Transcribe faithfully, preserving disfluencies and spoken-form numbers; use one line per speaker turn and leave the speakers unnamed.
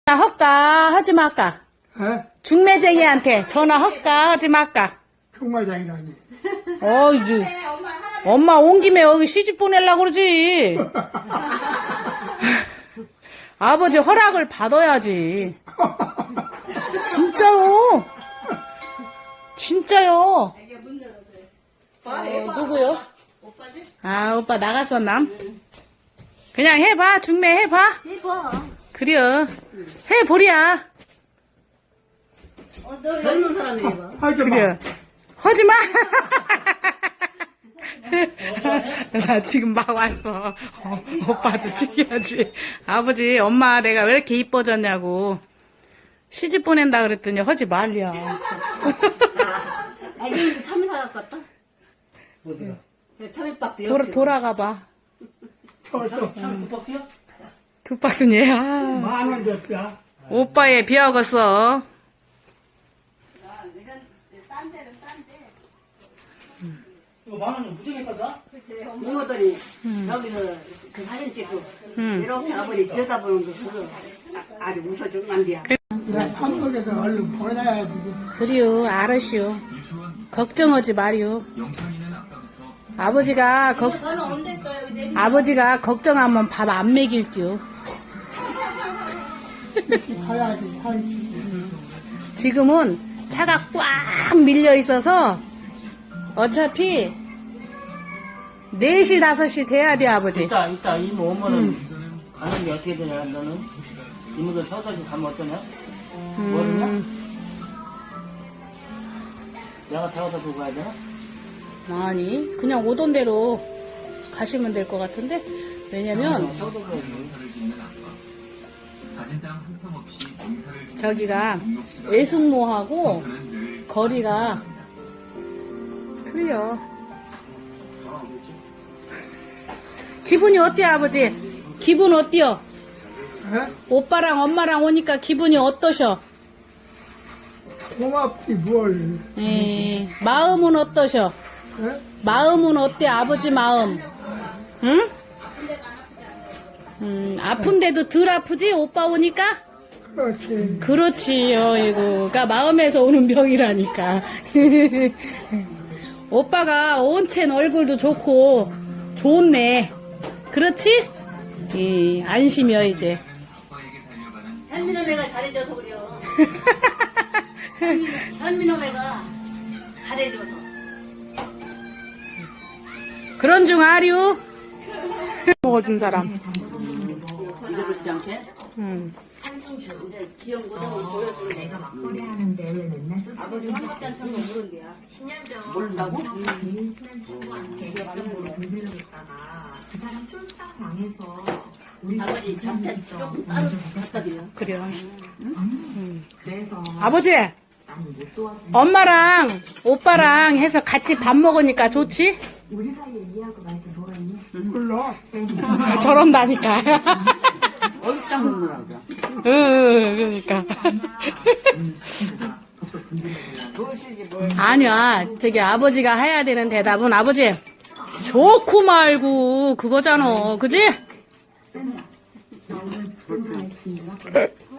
헛까 하지 말까?
에?
중매쟁이한테 전화 헛까 하지 말까?
총마장이라니.
어, 이제 엄마 온 김에 여기 시집 보내려고 그러지. 아버지 허락을 받아야지. 진짜요. 진짜요. 어, 누구요? 아, 오빠 나갔었나? 그냥 해봐. 중매 해봐.
해봐.
그래요. 해보랴.
어, 너 젊은 사람이 해봐.
하지 마.
그래. 하지마. 나 지금 막 왔어. 어, 오빠도 챙겨야지. 아버지, 엄마 내가 왜 이렇게 이뻐졌냐고. 시집 보낸다 그랬더니 하지 말랴.
아, 이거 참외 사갖고 왔다?
어디가?
참외밥도
돌아,
옆에.
돌아가봐.
저또
두 박스야?
두 박스니. 아,
만원 줬다.
오빠의 비하겠어.
이거 만 원이 무지개 싸다?
이모들이 저기서 그 사진 찍고
음.
이렇게 아버지 들여다보는 거 그거 아- 아주 웃어주면 안 돼요.
내가 한국에서 얼른 보내야지.
그래요, 알으시오. 걱정하지 마리오. 아버지가 걱, 아버지가 걱정하면 밥 안 먹일지요.
가야지, 하지.
지금은 차가 꽉 밀려 있어서 어차피 네 시, 다섯 시 돼야 돼, 아버지.
이따, 이따 이모 오면은 가는 게 어떻게 되냐, 너는? 이모들 서서 좀 가면 어떠냐? 모르냐? 내가 태워다 두고 가야 되나?
아니, 그냥 오던 대로 가시면 될 것 같은데. 왜냐면
태워다 가야지.
저기가 외숙모하고 거리가 틀려. 기분이 어때요, 아버지? 기분 어때요?
에?
오빠랑 엄마랑 오니까 기분이 어떠셔?
고맙지, 뭘.
에, 마음은 어떠셔?
에?
마음은 어때, 아버지 마음? 응? 음, 아픈데도 덜 아프지, 오빠 오니까?
그렇지.
그렇지, 어이구가 마음에서 오는 병이라니까. 오빠가 온첸 얼굴도 좋고, 좋네. 그렇지? 예, 안심이여, 이제.
현민호매가 잘해줘서 그래요. 현민호매가 잘해줘서.
그런 중 아류. 먹어준 사람.
이제 그렇지 않게?
음.
이제 귀여운 거는 보여주는
내가 막걸리 하는데 왜 맨날 좀
아버지 한박잔 쳐서 모르는 게야.
십 년 전
모른다고?
제일 친한 친구한테 연락으로 돈을 줬다가 그 사람 쫄딱 망해서 우리
아버지 잠깐 조금 따로 갖다 드려.
그래요.
그래서
아버지,
나는 못 도와준
엄마랑 오빠랑 해서 같이 밥 먹으니까 좋지?
우리 사이에 이해하고 말게 뭐가 있니?
몰라.
아, 저런다니까.
어육장 먹느라고.
응, 그러니까.
무엇이지 뭘.
아니야, 저기 아버지가 해야 되는 대답은 아버지, 좋고 말고 그거잖아. 그지?
너는 돈 잘 친다?